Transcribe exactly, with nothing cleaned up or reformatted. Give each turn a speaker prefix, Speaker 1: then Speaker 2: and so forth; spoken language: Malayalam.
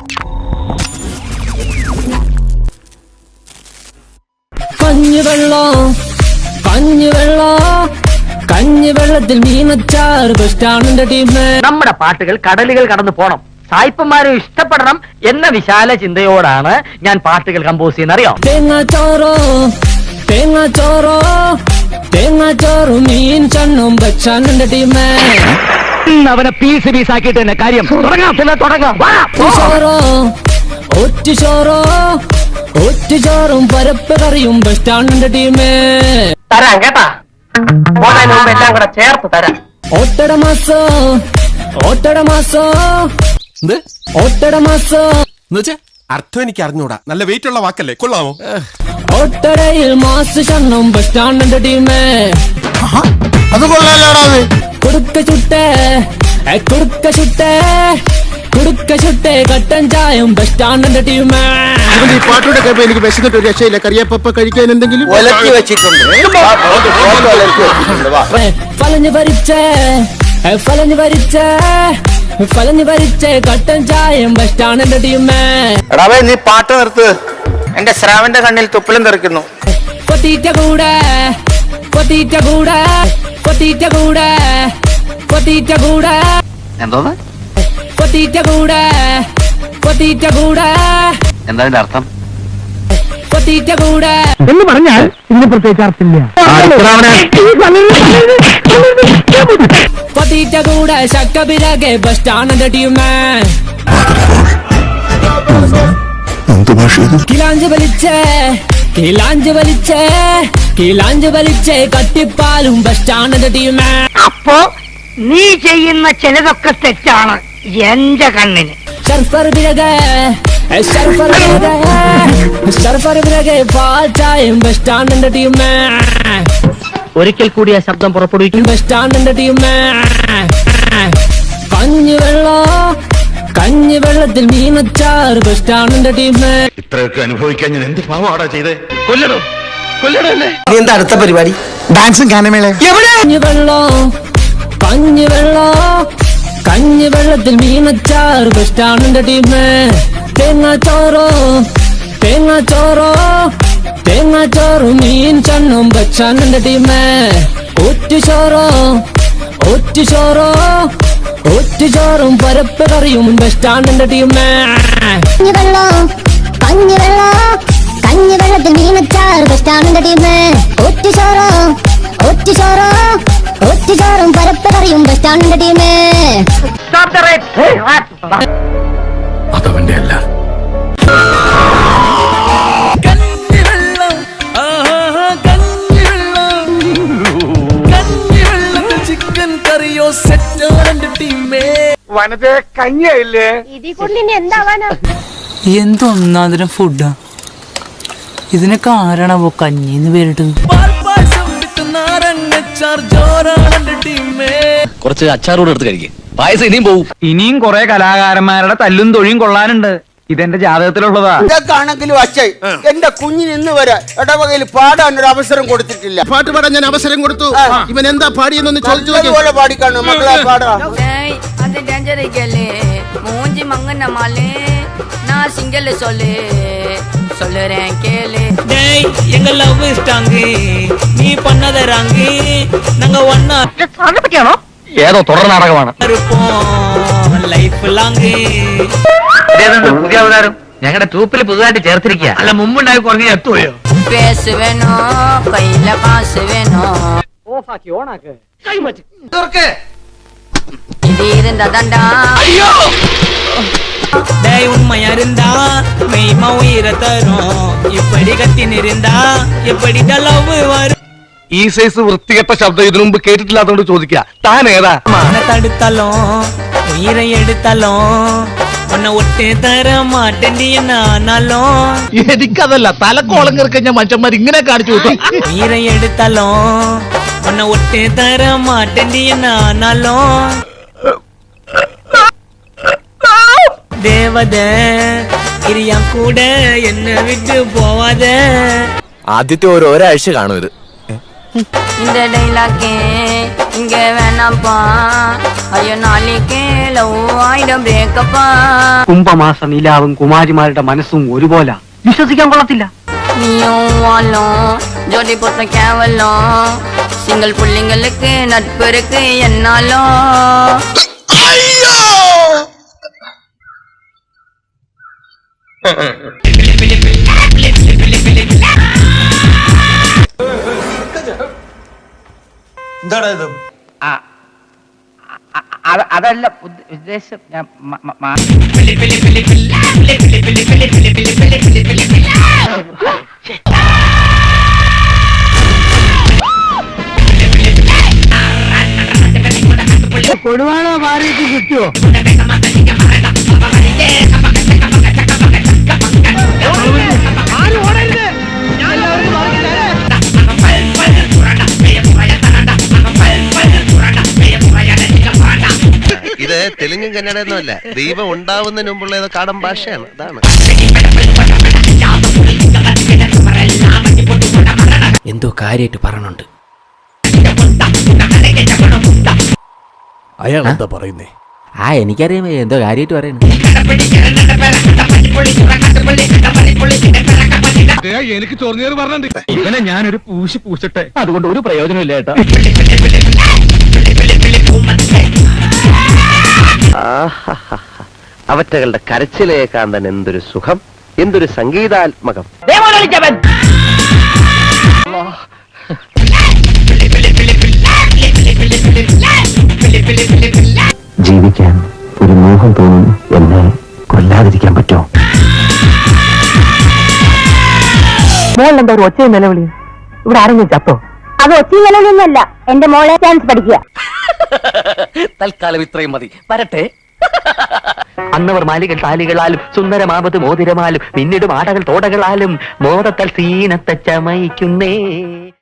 Speaker 1: കഞ്ഞിവെള്ളം കഞ്ഞിവെള്ളം കഞ്ഞിവെള്ളത്തിൽ മീനച്ചാർ ബെസ്റ്റാണിന്റെ ടീം.
Speaker 2: നമ്മുടെ പാട്ടുകൾ കടലുകൾ കടന്നു പോണം, സായിപ്പന്മാരും ഇഷ്ടപ്പെടണം എന്ന വിശാല ചിന്തയോടാണ് ഞാൻ പാട്ടുകൾ കമ്പോസ് ചെയ്യുന്ന. അറിയോ?
Speaker 1: തേങ്ങാച്ചോറോ തേങ്ങാച്ചോറോ തേങ്ങാച്ചോറും മീൻ ചണ്ണും ബെസ്റ്റാണിന്റെ ടീം.
Speaker 2: അവനെ പീസ് പീസ് ആക്കിയിട്ട് തന്നെ കാര്യം തുടങ്ങാം.
Speaker 1: ചോറോ ഒറ്റുചോറോ ഒറ്റുചോറും പരപ്പ് കറിയും ബെസ്റ്റാണിന്റെ ടീം.
Speaker 2: തരാം കേട്ടാ, മുമ്പ് എല്ലാം കൂടെ ചേർത്ത് തരാം.
Speaker 1: ഓട്ടട മാസോ ഓട്ടട മാസോ ഓട്ടട മാസോ
Speaker 3: അർത്ഥം എനിക്ക് അറിഞ്ഞൂടാ. നല്ല വെയിറ്റ് ഉള്ള വാക്കല്ലേ, കൊള്ളാമോ?
Speaker 1: ഒട്ടടയിൽ മാസ് ചണ്ണും ബെസ്റ്റാണിന്റെ ടീം.
Speaker 3: അത് കൊള്ളാലോടാ.
Speaker 1: കുടുക്ക ചുട്ടേ കുടുക്ക ചുട്ടേ കുടുക്ക ചുട്ടേ കട്ടൻ ചായം ബെസ്റ്റാണിന്റെ ടീം.
Speaker 3: ഈ പാട്ടോടെ കേൾപ്പോ എനിക്ക് വിശന്നിട്ട് ഒരു രക്ഷയില്ല. കറിയപ്പ കഴിക്കാൻ എന്തെങ്കിലും
Speaker 1: ഫലഞ്ഞു ഭരിച്ചേ ഫലഞ്ഞു ഭരിച്ചേ ഫലഞ്ഞു ഭരിച്ചേ കട്ടൻ ചായം ബെസ്റ്റാണിന്റെ ടീം.
Speaker 4: എടാവേ നീ പാട്ട് നിർത്ത്, എന്റെ ശ്രാവന്റെ കണ്ണിൽ തുപ്പലും തെറിക്കുന്നു.
Speaker 1: കൊത്തീറ്റ കൂടെ കൊത്തീറ്റ കൂടെ കൊത്തീറ്റ കൂടെ കൊത്തീറ്റ കൂടെ
Speaker 4: എന്തോന്ന്
Speaker 1: കൊത്തീറ്റ കൂടെ കൊത്തീറ്റ കൂടെ
Speaker 4: എന്താ അതിന്റെ അർത്ഥം?
Speaker 1: കൊത്തീറ്റ കൂടെ
Speaker 2: എന്ന് പറഞ്ഞാൽ ഇന്ന് പ്രത്യേകിച്ച് അർത്ഥമില്ല.
Speaker 1: കൊത്തീറ്റ കൂടെ ശക്കബിരകെ ബെസ്റ്റാണിന്റെ ടീം. കിലാഞ്ച് വലിച്ചേ കിലാഞ്ച് വലിച്ചേ കിലാഞ്ച് വലിച്ചേ കട്ടിപ്പാലും ബെസ്റ്റാണിന്റെ ടീം.
Speaker 2: അപ്പോ നീ ചെയ്യുന്ന ചിലതൊക്കെ തെറ്റാണ് എന്റെ കണ്ണിന്.
Speaker 1: സർഫർ ബിരകെ സർഫർ ബിരകെ സർഫർ ബിരകെ പാൽ ചായം ബെസ്റ്റാണിന്റെ ടീം.
Speaker 2: ഒരിക്കൽ കൂടി ആ ശബ്ദം പുറപ്പെടുവിക്കും.
Speaker 1: ബെസ്റ്റാണിന്റെ ടീം. കഞ്ഞിവെള്ളം കഞ്ഞിവെള്ളത്തിൽ മീനച്ചാർ ബെസ്റ്റാണിന്റെ ടീം.
Speaker 3: ഇത്രയൊക്കെ അനുഭവിക്കാൻ ഞാൻ എന്ത് പാവാടാ ചെയ്തേ? കൊല്ലണോ കൊല്ലണോ എന്നെ?
Speaker 4: എന്താ അടുത്ത പരിപാടി?
Speaker 3: ഡാൻസും ഗാനമേള.
Speaker 1: കഞ്ഞിവെള്ളം കഞ്ഞിവെള്ളം കഞ്ഞിവെള്ളത്തിൽ മീനച്ചാർ ബെസ്റ്റാണിന്റെ ടീം. തേങ്ങാച്ചോറോ തേങ്ങാച്ചോറോ തേങ്ങാച്ചോറും മീൻ ചണ്ണും ബെസ്റ്റാണിന്റെ ടീം. ഒറ്റുചോറോ ഒറ്റുചോറോ ഒറ്റുചോറും പരപ്പ് കറിയും ബെസ്റ്റാണിന്റെ ടീം.
Speaker 5: കഞ്ഞിവെള്ളം കഞ്ഞിവെള്ളം കഞ്ഞിവെള്ളത്തിൽ മീനച്ചാർ ബെസ്റ്റാണിന്റെ ടീം. ഒറ്റുചോറോ ഒറ്റുചോറോ ഒറ്റുചോറും പരപ്പ് കറിയും ബെസ്റ്റാണിന്റെ ടീം.
Speaker 3: അതവന്റെ അല്ല.
Speaker 1: ചിക്കൻ കറിയോ സെറ്റാണിന്റെ ടീം.
Speaker 4: വനത്തെ കഞ്ഞിയായില്ലേ?
Speaker 5: ഇതിൽ കൂടുതൽ എന്താവാനാ?
Speaker 6: എന്തൊന്നാതിരം ഫുഡാ ഇതിനൊക്കെ ആരാണാവോ കഞ്ഞിന്ന് പേരിട്ട്?
Speaker 7: കുറച്ച് അച്ചാറൂടെ എടുത്ത് കഴിക്കും, പായസം ഇനിയും പോവും.
Speaker 2: ഇനിയും കുറെ കലാകാരന്മാരുടെ തല്ലും തൊഴിയും കൊള്ളാനുണ്ട്. ഇതെന്റെ ജാതകത്തിലുള്ളതാ.
Speaker 4: ഇതൊക്കെയാണെങ്കിലും അച്ഛൻ എന്റെ കുഞ്ഞിന് ഇന്ന് വരെ ഇടവകയിൽ പാടാൻ ഒരു അവസരം കൊടുത്തിട്ടില്ല.
Speaker 3: പാട്ട് പാടാൻ ഞാൻ അവസരം കൊടുത്തു. ഇവൻ എന്താ പാടിയെന്നൊന്ന് ചോദിച്ചു
Speaker 4: പോലെ പാടിക്കാണു മക്കളെ പാടാ.
Speaker 8: അത് ഡേഞ്ചർ മൂഞ്ചി മങ്ങന മാലേ നാ സിംഗൽ സൊല്ലേ சொல்லுறேன் கேளு.
Speaker 6: டேய் எங்க லவ் இஷ்டாங்க நீ பண்ணதறாங்க நாங்க ஒண்ணா
Speaker 2: സാറിനെ പറ്റിയാണോ? ഏതോ തുടർ നാടകമാണ്.
Speaker 6: இருப்போம் லைஃப் லாங்.
Speaker 2: പുതിയ അവതാരം ഞങ്ങളുടെ ട്രൂപ്പിൽ പുതുതായിട്ട് ചേർത്തിരിക്കുക. അല്ല മുമ്പുണ്ടായി കുറഞ്ഞ എത്തുപോയോ?
Speaker 8: பேசு வேணும் கையில காசு வேணும்.
Speaker 2: ഓഫാക്കി ഓണാക്ക്.
Speaker 8: இது இருந்தா தாண்டா.
Speaker 6: டேய் உண்மையா இருந்தா மெய்மா உயிரை தரும். இப்படி கத்தின்னு இருந்தா எப்படி லவ் வரும்?
Speaker 7: ഈ സൈസ് വൃത്തികെട്ട ശബ്ദം ഇതിനു മുമ്പ് കേട്ടിട്ടില്ലാത്തോണ്ട് ചോദിക്കുക, താൻ ഏതാ?
Speaker 6: மன தடுத்தாலும் உயிரை எடுத்தாலும் உன்னை ஒட்டே தர மாட்டேன்டி என்ன ஆனாலும்.
Speaker 7: എനിക്കതല്ല, തലക്കോളം കയറിക്കഴിഞ്ഞ മനുഷ്യന്മാർ ഇങ്ങനെ കാണിച്ചു കൊടുക്കും.
Speaker 6: உயிரை எடுத்தாலும் உன்னை ஒட்டே தர மாட்டேன்டி என்ன ஆனாலும். தேவத ഇരിയാൻ കൂടെ എന്നെ വിട്ടു പോവാതെ.
Speaker 7: ആദ്യത്തെ ഒരു ഒരാഴ്ച കാണും ഇത്.
Speaker 8: இந்த டைலாக்கே இங்க வேணாம்ப்பா ஐயோ நாளைக்கே லவ் ஆயிடும் ബ്രേക്കപ്പാ
Speaker 2: കുംഭമാസ നിലാവും കുമാരിമാരുടെ മനസ്സും ഒരുപോലെ വിശ്വസിക്കാൻ കൊള്ളത്തില്ല.
Speaker 8: நீயும் வாழும் ஜோடி போட்ட கேவலம் சிங்கிள் புள்ளிங்களுக்கு நட்பு இருக்கு என்னாலும்
Speaker 4: എന്താടാ ഇത്?
Speaker 2: അതല്ല ഉദ്ദേശം ഞാൻ കൊടുവാണോ മാറിയിട്ട് കിട്ടുമോ?
Speaker 3: ഇത് തെലുങ്കും കന്നഡയൊന്നും അല്ല, ദൈവം ഉണ്ടാവുന്നതിന് മുമ്പുള്ള ഏതോ കാടൻ ഭാഷയാണ്. അതാണ്
Speaker 1: എന്തോ കാര്യമായിട്ട് പറഞ്ഞുണ്ട്.
Speaker 7: അയാൾ എന്താ പറയുന്നേ?
Speaker 1: ആ എനിക്കറിയാം എന്തോ കാര്യമായിട്ട് പറയുന്നു.
Speaker 7: എനിക്ക് ചൊറിഞ്ഞേറ് പറഞ്ഞിട്ടുണ്ട്.
Speaker 2: ഇവനെ ഞാനൊരു പൂശി പൂശട്ടെ, അതുകൊണ്ട് ഒരു പ്രയോജനമില്ല ഏട്ടാ.
Speaker 3: അവറ്റകളുടെ കരച്ചിലേക്കാൻ തന്നെ എന്തൊരു സുഖം, എന്തൊരു സംഗീതാത്മകം.
Speaker 1: ജീവിക്കാൻ ഒരു മോഹം തോന്നുന്നു, എന്നെ കൊല്ലാതിരിക്കാൻ പറ്റുമോ? മോളെന്താ ഒരു ഒച്ചയും നിലവിളി? ഇവിടെ ആരെങ്കിലും ചത്തോ?
Speaker 5: അത് ഒച്ചയും നിലവിലൊന്നുമല്ല, എന്റെ മോളെ ഡാൻസ് പഠിക്കുക.
Speaker 2: തൽക്കാലം ഇത്രയും മതി, വരട്ടെ. അന്നവർ മാലികൾ താലികളാലും സുന്ദരമാപത് മോതിരമാലും പിന്നീട് ആടകൾ തോടകളാലും മോദത്തൽ സീനത്തെ ചമയിക്കുന്നേ.